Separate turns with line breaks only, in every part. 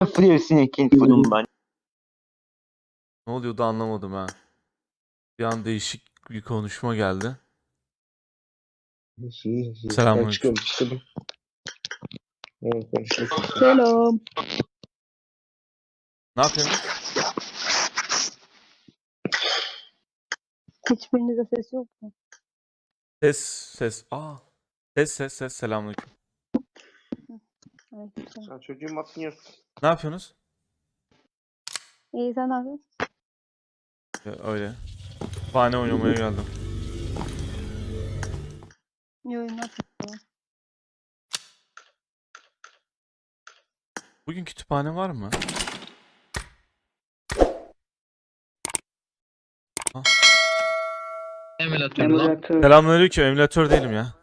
Fluores'in ikinci bölümü ben.
Ne oluyordu anlamadım ha. Bir an değişik bir konuşma geldi. Selamünaleyküm.
Çıkıyorum. Evet, konuşuyorsun.
Selam.
Ne yapıyorsunuz?
Hiçbirinizde ses yok mu?
Ses. Ses. Selamünaleyküm.
Evet.
Sen çocuğun matını
Ne yapıyorsunuz?
İyi sen ne yapıyorsun?
Öyle. Kütüphane oynamaya geldim.
İyi oyunlar.
Bugün kütüphane var mı?
Emülatör lan.
Selamünaleyküm. Emülatör değilim ya.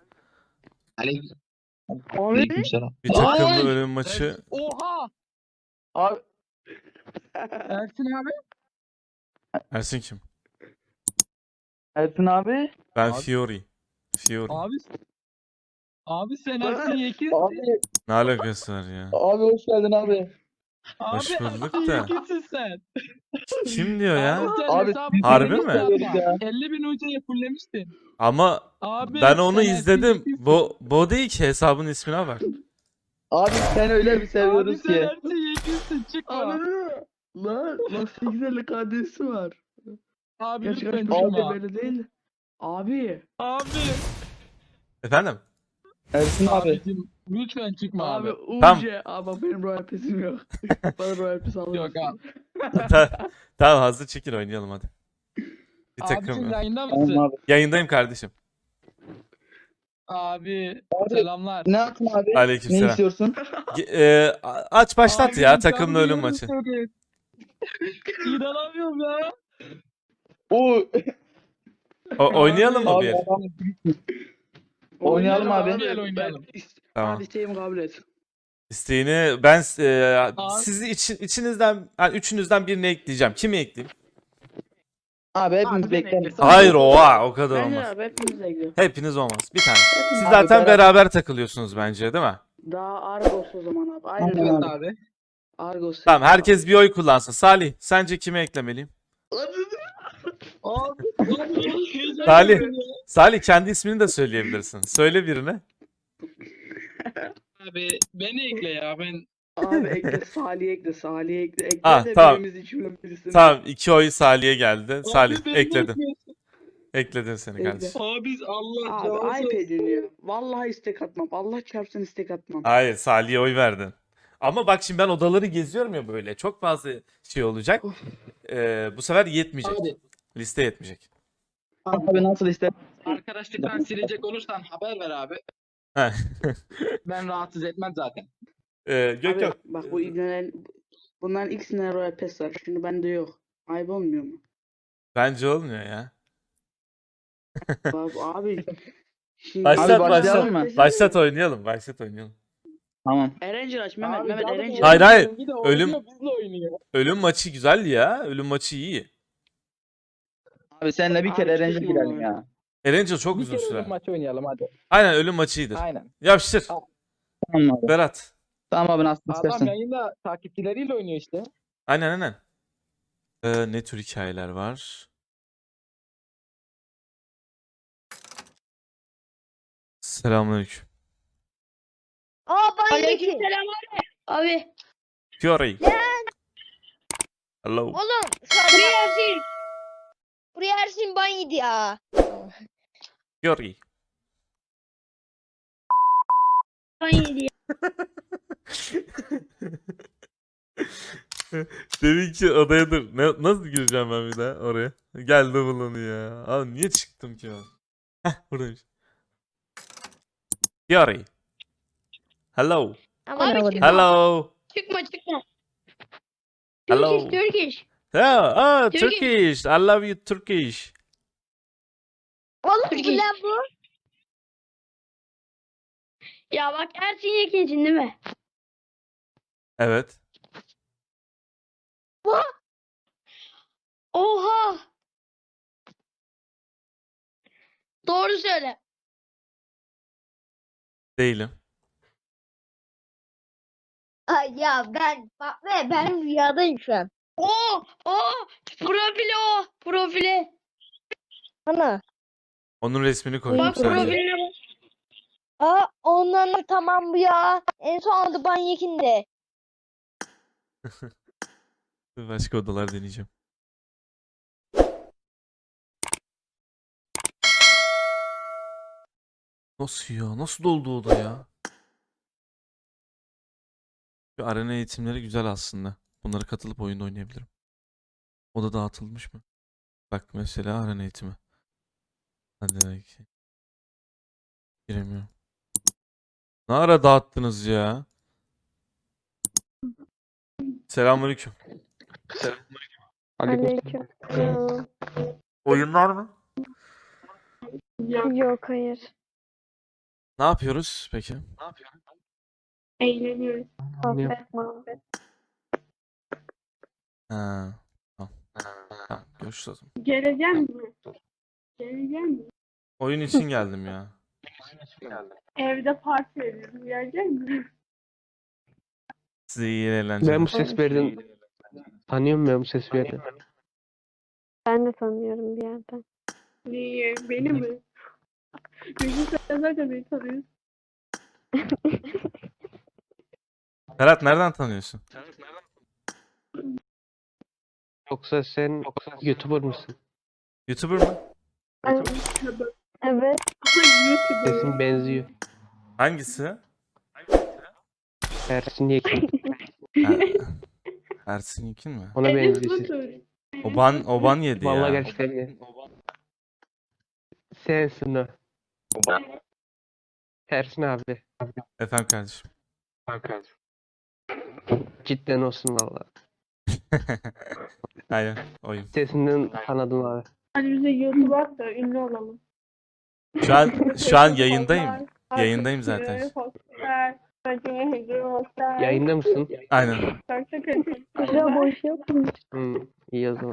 Aleykümselam.
Bir takımlı
Ay!
ölüm maçı.
Oha! Abi. Ersin abi.
Ersin kim?
Ersin abi.
Ben
Abi.
Fiori.
Abi. Abi sen Ersin Yekin.
Abi,
Ne alakası var ya?
abi hoş geldin abi.
Hoş
Abi
bulduk
Ersin
da.
Yekin'sin sen.
Kim diyor ya?
Abi sen
Abi,
hesabı
harbi
fullemiştin
mi?
ama.
Ya.
50.000 UC'ye fullemiştin.
Ama
Abi
ben onu
sen Ersin
izledim.
Yekin'sin.
Bu değil ki, hesabın ismine bak.
Abi sen öyle bir
Abi
seviyoruz
sen
ki.
Ersin Yekin'sin çıkma.
Lan 850 KD'si var.
Abi
Gerçi
lütfen
kaç
çıkma.
para belli değil. Abi.
Abi.
Efendim?
Ersin abi.
Abicim lütfen çıkma
Abi
abi.
Tamam.
UC. Abi bak benim Royal Pass'im yok. Bana Royal Pass alır
Yok
mısın?
abi.
Tamam, hazır çekil oynayalım hadi. Bir
Abicim
takım.
yayında
Tamam
mısın?
abi.
Yayındayım kardeşim.
Abi
Abi,
selamlar.
Ne yaptın abi? Ne
Aleykümselam.
istiyorsun?
Aç başlat
Abi,
ya
sen
takımlı
bir
ölüm
yorum
maçı.
söyle. İnanamıyorum ya.
Oo.
Oynayalım mı
Abi
bir?
adam. Oynayalım abi.
Gel oynayalım.
Tamam.
Abi isteğimi kabul et.
İsteğini ben
Abi.
sizi içinizden yani üçünüzden birini ekleyeceğim. Kimi ekleyeyim?
Abi hepimiz
Abi,
bekleriz.
bekle.
Hayır, o kadar
Bence
olmaz.
abi hepimiz ekliyor.
Hepiniz olmaz. Bir tane. Siz
Abi,
zaten
beraber-
beraber takılıyorsunuz bence, değil mi?
Daha Argos o zaman abi. Aynen
Tamam
öyle.
abi.
Abi.
Argos.
Tamam, herkes bir oy kullansın. Salih, sence kimi eklemeliyim?
Abi.
Salih. Salih, kendi ismini de söyleyebilirsin. Söyle birine.
Abi beni ekle ya ben.
Abi ekle Salih ekle. Salih ekle. Ekle
Ah,
de
tamam.
birimiz içinden birisini.
Tamam, 2 oy Salih'e geldi. Salih,
Abi beni
ekledim.
ekliyorsun.
Ekledim seni
Ekle.
kardeşim.
Abi Allah
Abi
razı
ayıp
olsun.
ediyorsun ya. Vallahi istek atmam. Allah çarpsın istek atmam.
Hayır, Salih'e oy verdin. Ama bak şimdi ben odaları geziyorum ya böyle. Çok fazla şey olacak. Bu sefer yetmeyecek.
Abi.
Liste yetmeyecek.
Abi nasıl ister?
Arkadaşlıktan silecek olursan haber ver abi.
Heh.
Ben rahatsız etmem zaten.
Yok
Abi,
yok.
bak bu bunların ikisinde Royal Pass var. Şimdi bende yok. Ayıp olmuyor mu?
Bence olmuyor ya.
Abi şimdi
Başlat
Abi başlayalım
başlat.
mı?
Başlat oynayalım. Başlat oynayalım.
Tamam.
Erencil aç Mehmet.
Abi,
Mehmet
zaten
Erencil.
Hayır, hayır.
Bir de
Ölüm-
oynuyor, bizle oynuyor.
Ölüm maçı güzel ya. Ölüm maçı iyi.
Abi seninle bir
Abi
kere eğlence
çıkma
girelim
abi.
ya.
Erencil çok
Bir
uzun
kere
sürer.
ölüm maçı oynayalım hadi.
Aynen, ölüm maçı iyidir.
Aynen.
Yapıştır.
Tamam abi.
Berat.
Tamam abi nasıl
Adam
istersen.
yayında takipçileriyle oynuyor işte.
Aynen. Ne tür hikayeler var? Selamünaleyküm.
Aleykümselam abi. Abi.
Fiori. Hello.
Oğlum buraya Ersin. Buraya Ersin ban yedi ya.
Fiori.
Ban yedi ya.
Demin ki odaya dur. Nasıl gireceğim ben bir daha oraya? Geldi bulanı ya. Abi niye çıktım ki ben? Heh, buradaymış. Fiori. Hello.
Ama abi çıkma.
Hello.
Çıkma.
Hello.
Turkish.
Turkish. I love you Turkish.
Vallahi bu lan bu. Ya bak Ersin Yekin'sin değil mi?
Evet.
Oha. Doğru söyle.
Değilim.
Ay ya bak ben rüyadayım şu an. O profili o profili. Ana.
Onun resmini koydum
Bak
sadece.
profiline bak. Aa ondan da tamam bu ya. En son adı Banyekinde.
Başka odalar deneyeceğim. Nasıl ya? Nasıl doldu oda ya? Şu arena eğitimleri güzel aslında. Bunlara katılıp oyunda oynayabilirim. Oda dağıtılmış mı? Bak mesela arena eğitimi. Hadi belki. Giremiyorum. Ne ara dağıttınız ya? Selamünaleyküm.
Aleyküm.
Oyunlar mı?
Yok hayır.
Ne yapıyoruz peki?
Eğleniyoruz. Sohbet muhabbet.
Ha. Tamam. Tamam. Görüşürüz o zaman.
Geleceğim mi? Geleceğim mi?
Oyun için geldim ya.
Evde parti veriyorum. Gelecek mi?
Size iyi eğlenceler.
Ben bu ses verdim. Tanıyorum ben bu ses verdim.
Ben de tanıyorum bir yerden. Niye? Beni mi? Çünkü sen zaten beni tanıyorsun.
Ferhat nereden tanıyorsun?
Yoksa sen YouTuber mısın?
YouTuber mı?
Evet.
Sesin benziyor.
Hangisi?
Ersin Yekin.
Ha, Ersin Yekin mi?
Ona benziyor ses.
Oban yedi ya.
Vallahi gerçekten. Sensin o. Ersin abi.
Efendim kardeşim.
Cidden olsun valla.
Aynen oyun.
Sesinden tanıdım abi.
Hani bize YouTube at da ünlü olalım.
Şu an yayındayım. Yayındayım zaten.
Yayında mısın?
Aynen.
Güzel boş yapmış.
İyi o zaman.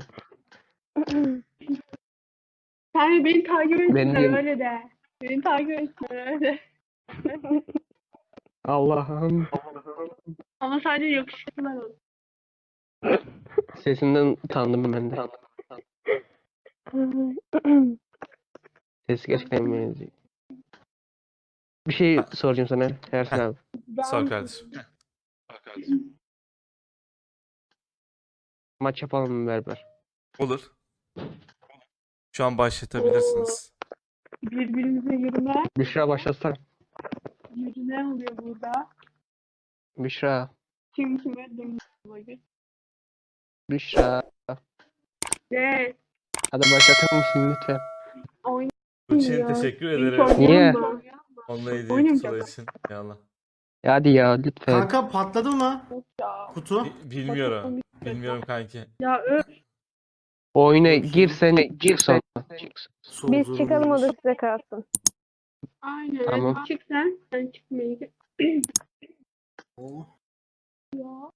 Sen beni takip etsin
Ben de-
öyle de. Beni takip etsin öyle.
Allah'ım.
Ama sadece yakışıklılar olur.
Sesinden tanıdım ben de. Sesi gerçekten benziyor. Bir şey soracağım sana Ersin abi.
Sor kardeşim.
Maç yapalım mı beraber?
Olur. Şu an başlatabilirsiniz.
Birbirimize yürüme.
Büşra başlasana.
Yürüme oluyor burada.
Büşra.
Kim kime dönüyor.
Büşra.
Evet.
Hadi başlatır mısın lütfen?
Için teşekkür ederim.
Niye?
Onunla hediye
Oynayacağım.
kutusu için. Yallah.
Hadi ya lütfen.
Kanka patladı mı kutu?
Bilmiyorum. Bilmiyorum kanki.
Ya
Oyuna girsen gir sonra.
biz çıkalım o da size kalsın. Aynen.
Tamam.
Hadi çık sen. Sen çıkmayı.
Oo,
Ya.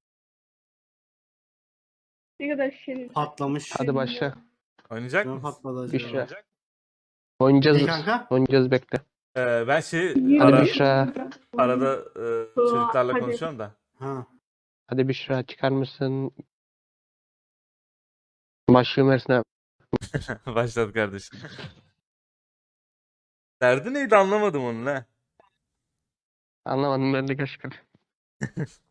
Ne kadar şerif.
patlamış.
Hadi başla.
Oynayacak
Ne
mısın?
patladı acaba?
Büşra. Oynayacağız.
İyi kanka.
Oynayacağız bekle.
Ben
Hadi Büşra.
arada çocuklarla
Hadi.
konuşuyorum da.
Ha.
Hadi Büşra çıkar mısın? Başlıyorum Ersin abi.
Başladı kardeşim. Derdi neydi anlamadım onu ne?
Anlamadım ben de gerçekten.